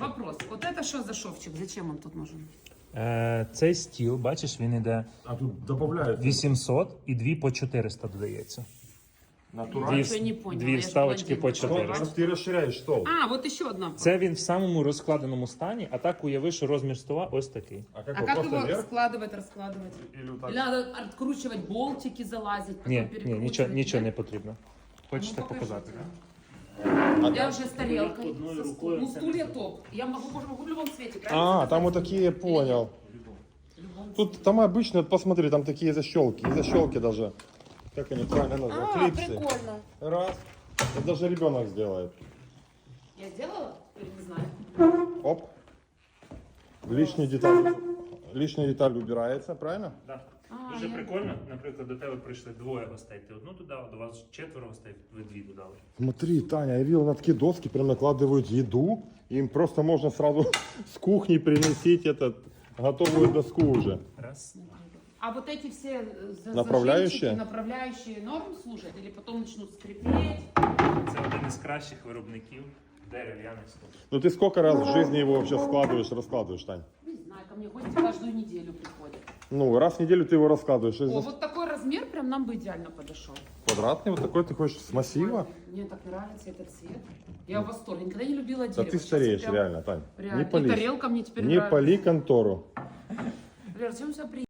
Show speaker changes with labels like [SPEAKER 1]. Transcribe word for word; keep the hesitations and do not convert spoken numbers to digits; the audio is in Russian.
[SPEAKER 1] вопрос. Вот это что за шовчик? Зачем он тут нужен?
[SPEAKER 2] Е, цей стіл, бачиш, він іде
[SPEAKER 3] А тут добавляют.
[SPEAKER 2] вісімсот і дві по чотириста додається.
[SPEAKER 3] Натурально.
[SPEAKER 2] Дві,
[SPEAKER 1] ничего не поняла,
[SPEAKER 2] дві
[SPEAKER 1] я ж
[SPEAKER 2] вставочки по
[SPEAKER 1] блондинка.
[SPEAKER 2] чотириста.
[SPEAKER 3] Ты расширяешь стол.
[SPEAKER 1] А, вот еще одна.
[SPEAKER 2] Це він в самому розкладеному стані, а так уяви, що розмір стола ось такий.
[SPEAKER 3] А как,
[SPEAKER 1] А
[SPEAKER 3] его,
[SPEAKER 1] как
[SPEAKER 3] просто
[SPEAKER 1] его
[SPEAKER 3] вверх?
[SPEAKER 1] складывать, раскладывать?
[SPEAKER 3] Или вот так?
[SPEAKER 1] Или надо откручивать болтики, залазить, потом
[SPEAKER 2] Ні, ні,
[SPEAKER 1] перекручивать?
[SPEAKER 2] нічого, нічого не
[SPEAKER 1] Нет?
[SPEAKER 2] потрібно. Хочете
[SPEAKER 1] Ну, покажи
[SPEAKER 2] показати?
[SPEAKER 1] тогда. Я уже с тарелкой.
[SPEAKER 2] Одной
[SPEAKER 1] со
[SPEAKER 2] рукой
[SPEAKER 1] стул- Ну,
[SPEAKER 2] це
[SPEAKER 1] стулья
[SPEAKER 2] не
[SPEAKER 1] топ. Я могу, могу, могу в любом цвете, правильно?
[SPEAKER 3] А,
[SPEAKER 1] сказать?
[SPEAKER 3] там вот такие, понял.
[SPEAKER 1] В любом
[SPEAKER 3] Тут там обычно, посмотри, там такие защелки. И защелки даже. Как они правильно называют?
[SPEAKER 1] А,
[SPEAKER 3] Клипсы.
[SPEAKER 1] прикольно.
[SPEAKER 3] Раз. Это даже ребенок сделает.
[SPEAKER 1] Я сделала? Или не знаю?
[SPEAKER 3] Оп. Лишняя деталь. Лишняя деталь убирается, правильно?
[SPEAKER 2] Так.
[SPEAKER 1] А,
[SPEAKER 2] Дуже
[SPEAKER 1] я-
[SPEAKER 2] прикольно. Наприклад, до тебе прийшли двоє гостей. Ти одну додав, до вас четверо гостей, ви дві додали.
[SPEAKER 3] Смотри, Таня, я видел на такие доски, прям накладывают еду. Им просто можно сразу с кухни приносить этот готовую доску уже.
[SPEAKER 2] Раз.
[SPEAKER 1] А вот эти все э, за-
[SPEAKER 3] Направляющие?
[SPEAKER 1] зажимчики, направляющие норм служат? Или потом начнут скрипеть?
[SPEAKER 2] Це один із кращих виробників дерев'яних столів.
[SPEAKER 3] Ну ты сколько раз в жизни его вообще складываешь, раскладываешь, Тань?
[SPEAKER 1] Не знаю, ко мне гости каждую неделю приходят.
[SPEAKER 3] Ну, раз в неделю ты его раскладываешь.
[SPEAKER 1] О, вот такой размер прям нам бы идеально подошел.
[SPEAKER 3] Квадратный вот такой ты хочешь с массива?
[SPEAKER 1] Мне так нравится этот цвет. Я в восторге. Никогда не любила
[SPEAKER 3] Да
[SPEAKER 1] дерево.
[SPEAKER 3] ты
[SPEAKER 1] Сейчас
[SPEAKER 3] стареешь,
[SPEAKER 1] прям-
[SPEAKER 3] реально, Тань.
[SPEAKER 1] Реально.
[SPEAKER 3] Не
[SPEAKER 1] И
[SPEAKER 3] пали.
[SPEAKER 1] тарелка мне теперь
[SPEAKER 3] Не
[SPEAKER 1] нравится.
[SPEAKER 3] пали контору.
[SPEAKER 1] Лер, чем все приятно?